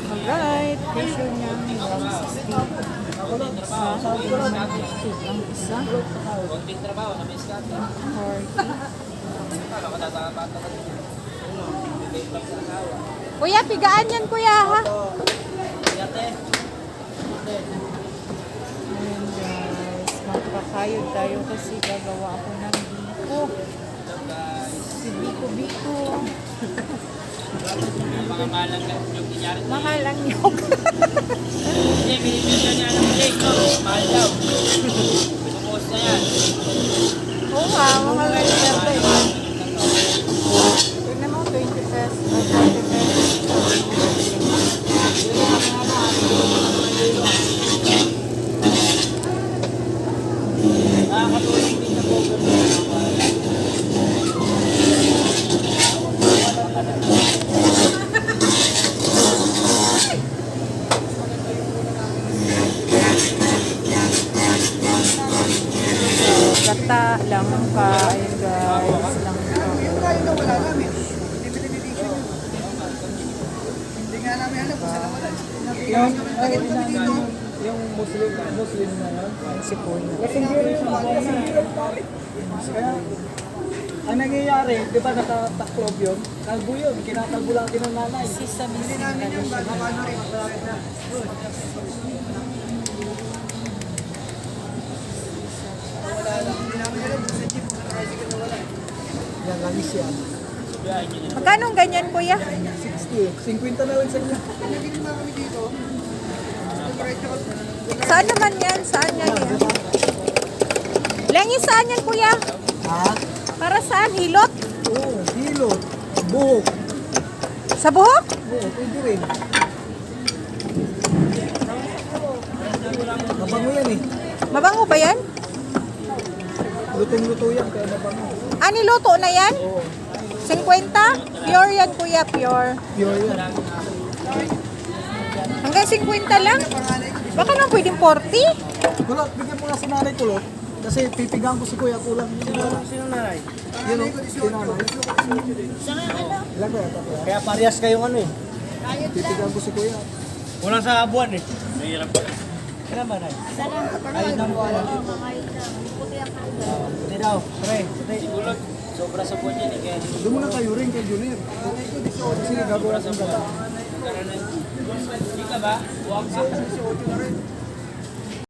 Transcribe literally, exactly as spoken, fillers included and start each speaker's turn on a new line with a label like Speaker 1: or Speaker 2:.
Speaker 1: Alright, presyo niya one sixty. Isa, ang isa.
Speaker 2: Konting trabaho na may scat.
Speaker 1: forty.
Speaker 2: Matatawa.
Speaker 1: Kuya, pigaan yan kuya ha.
Speaker 2: Yate.
Speaker 1: Ayan guys, magpakayod tayo kasi gagawa ako ng biko. Si Biko Biko.
Speaker 2: Mga malang yung kinyari.
Speaker 1: Mahal ang nyog.
Speaker 2: Hindi, binibigyan niya ng cake. Mahal daw. Pinupost na yan.
Speaker 1: Oo nga, mahal ang nyog. Tignan mo, twenty pesos. twenty pesos.
Speaker 2: Nakakatulong din sa program.
Speaker 1: Gata lang pa, ayun guys. Lang pa.
Speaker 3: Yung tayo na wala namin. Limited edition yun. Hindi nga namin alam kung saan nawala. Yung, lagay mo kami dito.
Speaker 4: Yung Muslim, Muslim na yun.
Speaker 1: Si Puno.
Speaker 4: Kasi hindi rin siya pare. Kaya, ang nangyayari, di ba nakataklob yun? Kalbo yun, kinakalbo lang din ng nanay.
Speaker 1: Si Sabi
Speaker 3: Hindi namin yung bag. Baka na rin. Wala lang. Hindi namin alam kung sa jeep. Tricycle na wala.
Speaker 4: Yan, langis yan.
Speaker 1: Magkano ang ganyan kuya?
Speaker 4: sixty, fifty na lang sa inyo.
Speaker 3: Nagiging na kami dito. Diretso ko.
Speaker 1: Saan naman yan? Saan yan yan? Lengi saan yan kuya?
Speaker 4: Ha?
Speaker 1: Para saan? Hilot?
Speaker 4: Oo, hilo, buhok.
Speaker 1: Sa buhok?
Speaker 4: Oo, pwede rin. Mabango yan eh.
Speaker 1: Mabango ba yan?
Speaker 4: Lutong-luto yan, kaya mabango.
Speaker 1: Ah, niluto na yan?
Speaker 4: Oo,
Speaker 1: fifty? Pure yan kuya, pure.
Speaker 4: pure yan.
Speaker 1: Hanggang fifty lang? Baka naman pwedeng forty?
Speaker 4: Kulot, bigyan mo nga si nanay kulot. Kasi pipigang ko si kuya kulang. Sino nanay? Yun o, si nanay. Ilan ko yata?
Speaker 2: Kaya parehas kayong ano eh.
Speaker 4: Pipigang ko si kuya.
Speaker 2: Kulang sa buwan eh. Mahirap pa. Kailan ba na? Ayun na mo ano. Hindi daw. Pre, siguro sobra sa buwan yan eh. Kaya
Speaker 4: Doon muna kayo rin kay Junior. Kasi gagawa sa gata.
Speaker 2: hindi ka ba? Huwag sa.